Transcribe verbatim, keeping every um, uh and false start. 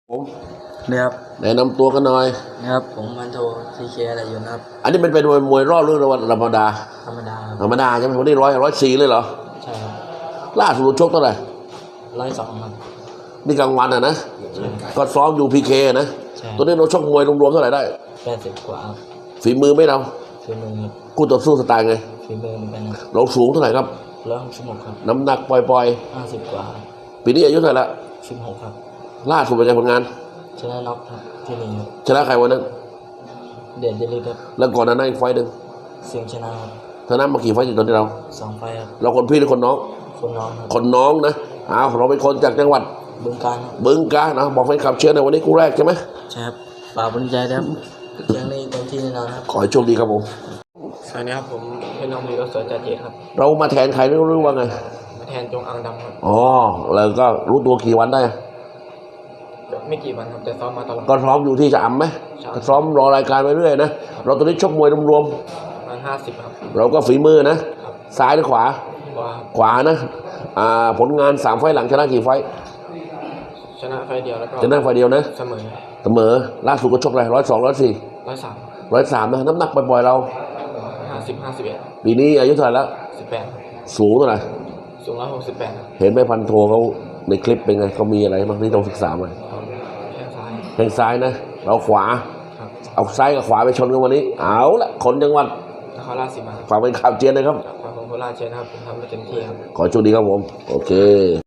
ผมเนี่ยครับแนะนำตัวกันหน่อยนะครับผมมันโททีเคอะไรอยู่นะครับอันนี้เป็นเป็นมวยมวยรอบหรือวันธรรมดาธรรมดาธรรมดาใช่ไหมวันนี้ร้อยร้อยสี่เลยเหรอใช่ครับล่าสุดชกเท่าไหร่ร้อยสองครับนี่กลางวันอ่ะนะใช่ก็ซ้อมอยู่พีเคนะใช่ตัวนี้เราชกมวยรวมๆเท่าไหร่ได้แปดสิบกว่าครับฝีมือไม่เราฝีมือครับคู่ต่อสู้สไตล์ไงฝีมือเหมือนกันครับเราสูงเท่าไหร่ครับร้อยหกสิบหกครับน้ำหนักปล่อยห้าสิบกว่าๆปีนี้อายุเท่าไหร่ละสิบหกครับล่าสุดเป็นไงผลงานชนะน็อกครับที่นี่ครับชนะใครวันนั้นเด่นเดลิครับแล้วก่อนหน้านั้นอีกไฟต์หนึ่งเสียงชนะครับชนะมากี่ไฟต์อยู่ตอนที่เราสองไฟครับเราคนพี่หรือคนน้องคนน้องครับคนน้องนะอ้าวเราเป็นคนจากจังหวัดบึงการครับบึงกาฬนะบอกแฟนคลับเชียร์ในวันนี้กูแรกใช่ไหมใช่ครับฝากบรรยายนะครับเชียงนี้เต็มที่แน่นอนครับขอให้โชคดีครับผมสวัสดีครับผมเป็นน้องมีรถสวนจ่าเจครับเรามาแทนใครไม่รู้ว่าไงมาแทนจงอังดำครับอ๋อแล้วก็รู้ตัวกี่วันได้ไม่กี่วันครับแต่ซ้อมมาตลอดก็ซ้อมอยู่ที่จะอ่ำไหมก็ซ้อมรอรายการไปเรื่อยนะเราตอนนี้ชกมวยรวมประมาณห้าสิบครับๆเราก็ฝีมือนะซ้ายหรือขวาว่าขวานะอ่าผลงานสามไฟล์หลังชนะกี่ไฟล์ชนะไฟเดียวแล้วก็ชนะไฟล์เดียวนะเสมอเสมอล่าสุดก็ชกอะไรร้อยสองร้อยสี่ร้อยสามร้อยสามนะน้ำหนักบ่อยๆเราห้าสิบห้าสิบเอ็ดปีนี้อายุเท่าไหร่แล้วสิบแปดสูงเท่าไหร่สูงร้อยหกสิบแปดเห็นไหมพันโทเขาในคลิปเป็นไงเขามีอะไรบ้างที่ต้องศึกษามาแข้งซ้ายแข้งซ้ายนะเราขวาเอาซ้ายกับขวาไปชนกันวันนี้เอาละคนจังหวัดนครราชสีมาฝากเป็นข่าวเจียนนะครับฝากผมโคราชเชียร์นะครับผมทำไปเต็มที่ครับขอโชคดีครับผมโอเค